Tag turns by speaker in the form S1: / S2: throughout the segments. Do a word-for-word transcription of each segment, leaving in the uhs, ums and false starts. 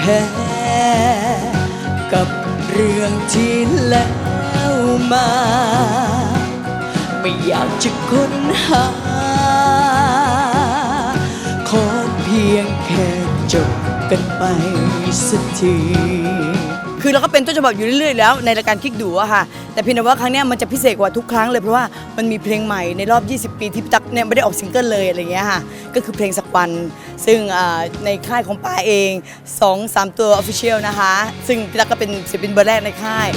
S1: พ้กับเรื่องที่แล้วมาไม่อยากจะค้นหาขอเพียงแค่จบกันไปสักทีคือเราก็เป็นต้นฉบับอยู่เรื่อยๆแล้วในรายการคลิกดูอะค่ะแต่เพียงแต่ว่าครั้งนี้มันจะพิเศษกว่าทุกครั้งเลยเพราะว่ามันมีเพลงใหม่ในรอบยี่สิบปีที่ตั๊กเนี่ยไม่ได้ออกซิงเกิลเลยอะไรเงี้ยค่ะก็คือเพลงสักวันซึ่งในค่ายของป้าเอง สองสาม ตัว Official นะคะซึ่งพี่ตั๊กก็เป็นศิลปินเบอร์แรกในค่าย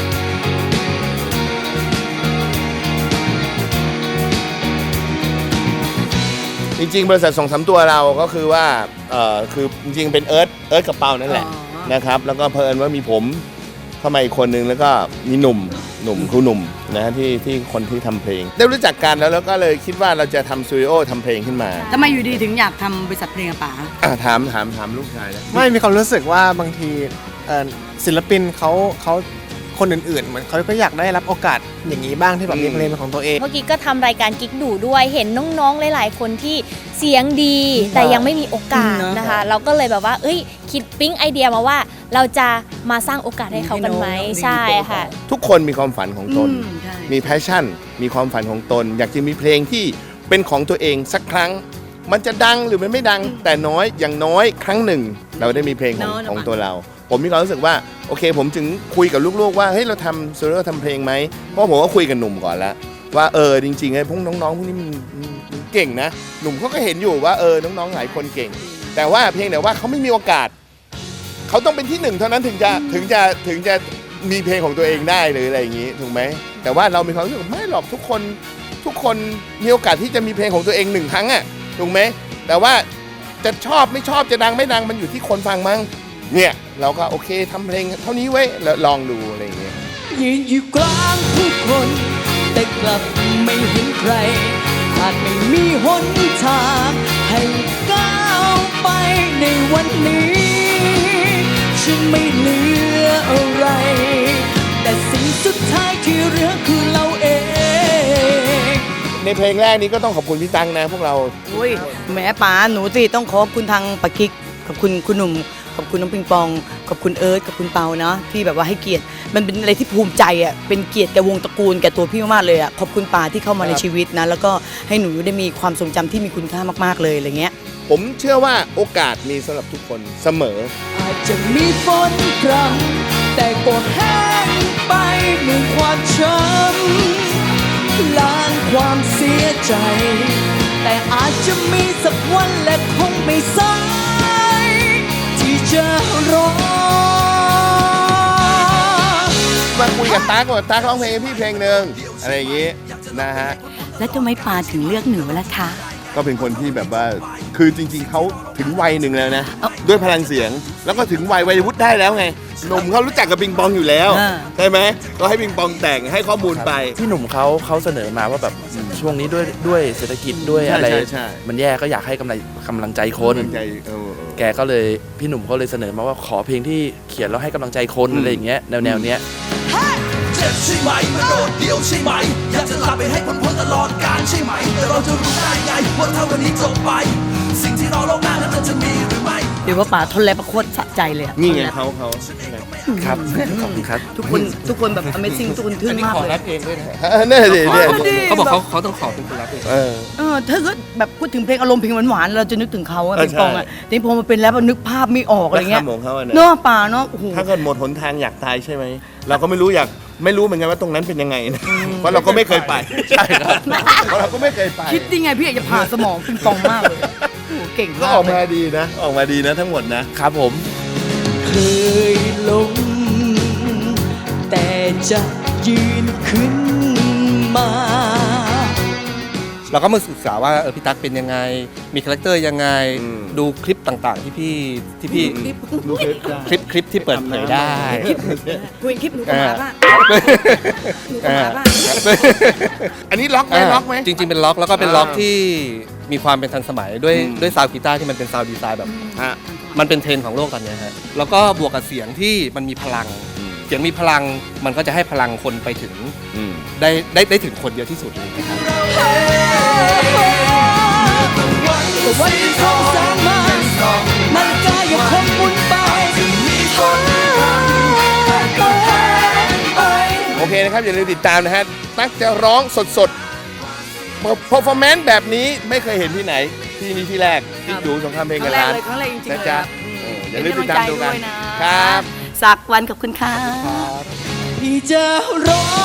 S2: จริงๆบริษัทสองสามตัวเราก็คือว่าเอ่อคือจริงๆเป็นเอิร์ธเอิร์ธกับเปานั่นแหละนะครับแล้วก็เพอิญว่ามีผมเข้ามาอีกคนนึงแล้วก็มีหนุ่มหนุ่มครูหนุ่มนะฮะที่ที่คนที่ทำเพลงได้รู้จักกันแล้วแล้วก็เลยคิดว่าเราจะทำสตูดิโอทำเพลงขึ้นมา
S1: ทำไมอยู่ดีถึงอยากทำบริษัทเพลงอะป๋า
S2: ถามถามถามลูกชายนะ
S3: ไม่มีความรู้สึกว่าบางทีศิลปินเขาเขาคนอื่นๆเหมือนเขาก็อยากได้รับโอกาสอย่างนี้บ้างที่แบบมีเพลงเป็นของตัวเอง
S4: เมื่อกี้ก็ทำรายการกิ๊กดูด้วยเห็นน้องๆหลายๆคนที่เสียงดีแต่ยังไม่มีโอกาสนะคะเราก็เลยแบบว่าเอ้ยคิดปิ๊งไอเดียมาว่าเราจะมาสร้างโอกาสให้เขากันไหมใช่ค่ะ
S2: ทุกคนมีความฝันของตนมีแพชชั่นมีความฝันของตนอยากจะมีเพลงที่เป็นของตัวเองสักครั้งมันจะดังหรือมันไม่ดังแต่น้อยอย่างน้อยครั้งหนึ่งเราได้มีเพลงของของตัวเราผมมีความรู้สึกว่าโอเคผมจึงคุยกับลูกๆว่าเฮ้ยเราทำโซโล่ทำเพลงไหมเพราะผมก็คุยกับหนุ่มก่อนแล้วว่าเออจริงๆไอ้พวกน้องๆพวกนี้มันเก่งนะหนุ่มเขาก็เห็นอยู่ว่าเออน้องๆหลายคนเก่งแต่ว่าเพียงแต่ว่าเขาไม่มีโอกาสเขาต้องเป็นที่หนึ่งเท่านั้นถึงจะถึงจะถึงจะมีเพลงของตัวเองได้หรืออะไรอย่างนี้ถูกไหมแต่ว่าเรามีความรู้สึกไม่หรอกทุกคนทุกคนมีโอกาสที่จะมีเพลงของตัวเองหนึ่งครั้งอ่ะถูกไหมแต่ว่าจะชอบไม่ชอบจะดังไม่ดังมันอยู่ที่คนฟังมั้งเนี่ยเราก็โอเคทำเพลงเท่านี้ไว้แล้วลองดูอะไรอย่างเงี้ย
S1: ยืนอยู่กลางผู้คนแต่กลับไม่เห็นใครอาจไม่มีหนทางให้ก้าวไปในวันนี้ฉันไม่เหลืออะไรแต่สิ่งสุดท้ายที่เหลือคือเราเอง
S2: ในเพลงแรกนี้ก็ต้องขอบคุณพี่ตังนะพวกเรา
S1: อุ้ยแม่ป๋าหนูสิต้องขอบคุณทางปะกิ๊กขอบคุณคุณหนุ่มขอบคุณน้องปิงปองขอบคุณเอิร์ธขอบคุณเปาเนาะที่แบบว่าให้เกียรติมันเป็นอะไรที่ภูมิใจอ่ะเป็นเกียรติแก่วงตระกูลแก่ตัวพี่มากๆเลยอ่ะขอบคุณป๋าที่เข้ามาในชีวิตนะแล้วก็ให้หนูได้มีความทรงจำที่มีคุณค่ามากๆเลยอะไรเงี้ย
S2: ผมเชื่อว่าโอกาสมีสำหรับทุกคนเสมอ
S1: อาจจะมีฝนพรำแต่ก็แห้งไปเหมือนความช้ำล้างความเสียใจแต่อาจจะมีสักวันและคงไม่สายที่จะรอ
S2: มาคุยกับตั๊กว่าตั๊กร้องเพลงพี่เพลงหนึ่งอะไรอย่างงี้นะฮะ
S1: แล้วทำไมป๋าถึงเลือกหนูล่ะคะ
S2: ก็เป็นคนที่แบบว่าคือจริงๆเขาถึงวัยหนึ่งแล้วนะด้วยพลังเสียงแล้วก็ถึงวัยวัยวุฒิได้แล้วไงหนุ่มเขารู้จักกับปิงปองอยู่แล้วใช่ไหมก็ให้ปิงปองแต่งให้ข้อมูลไป
S5: พี่หนุ่มเขาเขาเสนอมาว่าแบบช่วงนี้ด้วยด้วยเศรษฐกิจด้วยอะไรมันแย่ก็อยากให้กำลังกำลังใจคนแกก็เลยพี่หนุ่มเขาเลยเสนอมาว่าขอเพลงที่เขียนแล้วให้กำลังใจคนอะไรอย่างเงี้ยแนวแนวเนี้ย
S6: เจ็บใช่ไหมมันโดดเดี่ยวใช่ไหมอยากจะลาไปให้พ้นพ้นตลอดกาลใช่ไหมแต่เราจะรู้ได้ไงว่าถ้าวันนี้จบไปสิ่งที่รอโลกหน้านั้นมันจะมีหรือไม่
S1: เดี๋ยวว่าป๋าทนแรงประโคตรสะใจเลย
S2: นี่ไงเขาเขา
S5: ครับขอบคุณครับ
S1: ทุกคนทุกคนแบบ Amazing ทุกคนทึ่งมากเลย
S5: รับเองด้วยนะ
S2: นี่ดิเนี่ย
S5: เขาบอกเขาเขาต้องขอเป็นคนรับเอง
S2: เออ
S1: เออถ้าเกิดแบบพูดถึงเพลงอารมณ์เพลงหวานๆเราจะนึกถึงเขาอะเป็นปองอะแต่พอมาเป็นแล้วนึกภาพไม่ออกอะไรเงี้ยเนาะป๋าเนาะโอ้โห
S2: ถ้าเกิดหมดหนทางอยากตายใช่ไหมเราก็ไม่รู้อยากไม่รู้เหมือนกันว่าตรงนั้นเป็นยังไงนะเพราะเราก็ไม่เคยไปใช่ครับเพราะเราก็ไม่เคยไป
S1: คิดยังไงพี่อยากจะผ่าสมองปิงปองมากเลยเก่ง
S2: ก็ออกมาดีนะออกมาดีนะทั้งหมดนะครับ
S5: ผม
S1: เคยลงแต่จะยืนขึ้นมา
S5: เราก็มาศึกษาว่าเออพี่ตั๊กเป็นยังไงมีคาแรคเตอร์ยังไงดูคลิปต่างๆที่พี่ที่พี่
S2: ดูคลิป
S5: คลิปคลิปที่เปิดเผยได้
S1: คุยคลิปหนูก็มาป่ะหนูก็มาป่ะ
S2: อันนี้ล็อกไหมล็อกไหม
S5: จริงๆเป็นล็อกแล้วก็เป็นล็อกที่มีความเป็นทันสมัยด้วยด้วยซาวด์กีตาร์ที่มันเป็นซาวด์ดีไซน์แบบมันเป็นเทรนด์ของโลกตอนนี้ฮะแล้วก็บวกกับเสียงที่มันมีพลังเสียงมีพลังมันก็จะให้พลังคนไปถึงได้ได้ได้ถึงคนเยอะที่สุดเลยนะครับ
S1: วันที่สองแสนมานาฬิกายังคงหมุนไป
S2: นะครับ อย่าลืมติดตามนะฮะตั๊กจะร้องสดๆ performance แบบนี้ไม่เคยเห็นที่ไหน ที่นี่ที่แรกที่ดูสงครามเพลง
S1: ครั้
S2: กัน
S1: งแรก
S2: ล้าน
S1: เลยครั้งแรกจริงๆ
S2: นะ
S1: เลย
S2: จ๊ะ
S1: ครับ
S2: เอออย่าลืมติดตามดูกัน
S1: เป็นกำลังใจด้วยนะครับ สักวันกับคุณค่ะ
S7: พี่จะร้อง